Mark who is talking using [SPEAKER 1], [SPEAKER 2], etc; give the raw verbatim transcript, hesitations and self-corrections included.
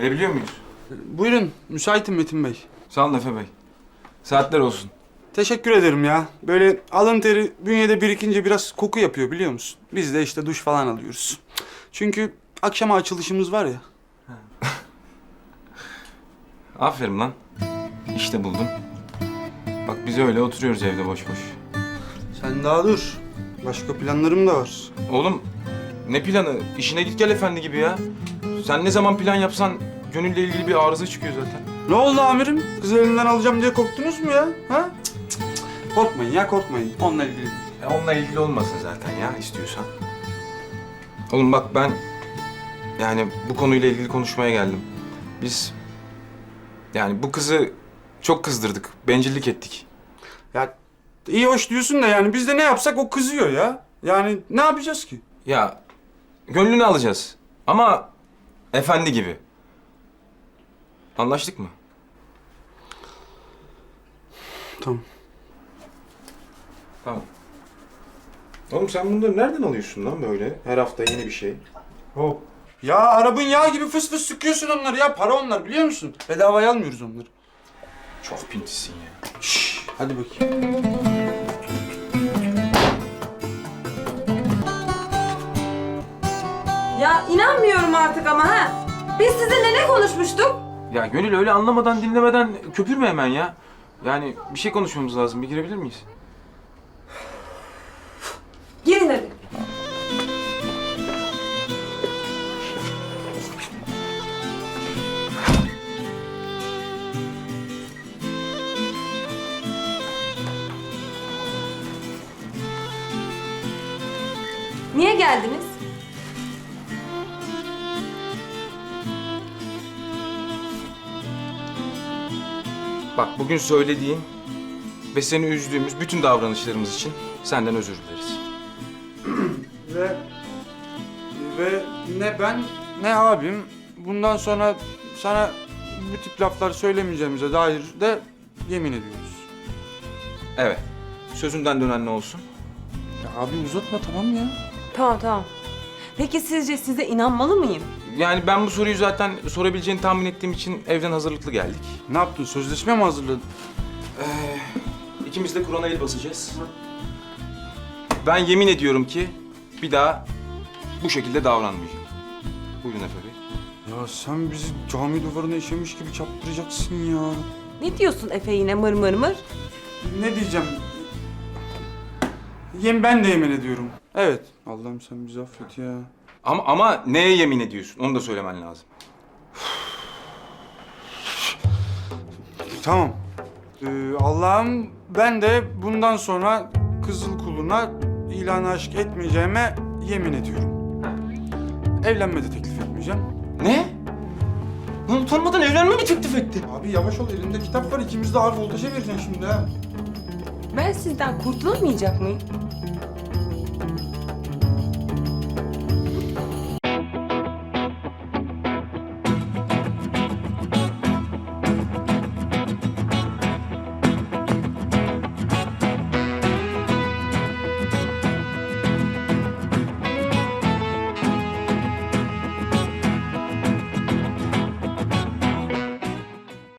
[SPEAKER 1] Gelebiliyor muyuz?
[SPEAKER 2] Buyurun, müsaitim Metin Bey.
[SPEAKER 1] Sağ olun Efe Bey. Saatler olsun.
[SPEAKER 2] Teşekkür ederim ya. Böyle alın teri bünyede birikince biraz koku yapıyor biliyor musun? Biz de işte duş falan alıyoruz. Çünkü akşama açılışımız var ya.
[SPEAKER 1] Aferin lan. İşte buldum. Bak biz öyle oturuyoruz evde boş boş.
[SPEAKER 2] Sen daha dur. Başka planlarım da var.
[SPEAKER 1] Oğlum ne planı? İşine git gel efendi gibi ya. Sen ne zaman plan yapsan gönülle ilgili bir arıza çıkıyor zaten.
[SPEAKER 2] Ne oldu amirim? Kızı elinden alacağım diye korktunuz mu ya? Ha? Cık, cık, cık. Korkmayın ya korkmayın. Onunla ilgili değil.
[SPEAKER 1] E onunla ilgili olmasın zaten ya istiyorsan. Oğlum bak ben yani bu konuyla ilgili konuşmaya geldim. Biz yani bu kızı çok kızdırdık, bencillik ettik.
[SPEAKER 2] Ya iyi hoş diyorsun da yani biz de ne yapsak o kızıyor ya. Yani ne yapacağız ki?
[SPEAKER 1] Ya gönlünü alacağız ama efendi gibi. Anlaştık mı?
[SPEAKER 2] Tamam.
[SPEAKER 1] Tamam. Oğlum sen bunları nereden alıyorsun lan böyle? Her hafta yeni bir şey.
[SPEAKER 2] Hop. Ya arabın yağı gibi fıs fıs sıkıyorsun onları ya. Para onlar biliyor musun? Bedavaya almıyoruz onları.
[SPEAKER 1] Çok pintisin ya.
[SPEAKER 2] Şşş, hadi bakayım.
[SPEAKER 3] Ya inanmıyorum artık ama ha. Biz sizinle ne konuşmuştuk?
[SPEAKER 1] Ya Gönül öyle anlamadan dinlemeden köpürme hemen ya. Yani bir şey konuşmamız lazım. Bir girebilir miyiz?
[SPEAKER 3] Girin hadi. Niye geldiniz?
[SPEAKER 1] Bak bugün söylediğin ve seni üzdüğümüz bütün davranışlarımız için senden özür dileriz.
[SPEAKER 2] Ve ve ne ben ne abim bundan sonra sana bu tip laflar söylemeyeceğimize dair de yemin ediyoruz.
[SPEAKER 1] Evet. Sözünden dönen ne olsun?
[SPEAKER 2] Ya abi uzatma tamam ya.
[SPEAKER 3] Tamam tamam. Peki sizce size inanmalı mıyım?
[SPEAKER 1] Yani ben bu soruyu zaten sorabileceğini tahmin ettiğim için evden hazırlıklı geldik.
[SPEAKER 2] Ne yaptın? Sözleşme mi hazırladın?
[SPEAKER 1] Ee, ikimiz de Kur'an'a el basacağız. Ben yemin ediyorum ki bir daha bu şekilde davranmayacağım. Buyurun Efe Bey.
[SPEAKER 2] Ya sen bizi cami duvarına işemiş gibi çarptıracaksın ya.
[SPEAKER 3] Ne diyorsun Efe yine mır mır mır?
[SPEAKER 2] Ne diyeceğim? Yem ben de yemin ediyorum. Evet. Allah'ım sen bizi affet ya.
[SPEAKER 1] Ama ama neye yemin ediyorsun? Onu da söylemen lazım.
[SPEAKER 2] Tamam. Ee, Allah'ım ben de bundan sonra kızıl kuluna ilan aşk etmeyeceğime yemin ediyorum. Evlenme de teklif etmeyeceğim.
[SPEAKER 1] Ne? Lan utanmadan evlenme mi teklif etti?
[SPEAKER 2] Abi yavaş ol elimde kitap var ikimiz de ağır voltaja vereceksin şimdi ha.
[SPEAKER 3] Ben sizden kurtulamayacak mıyım?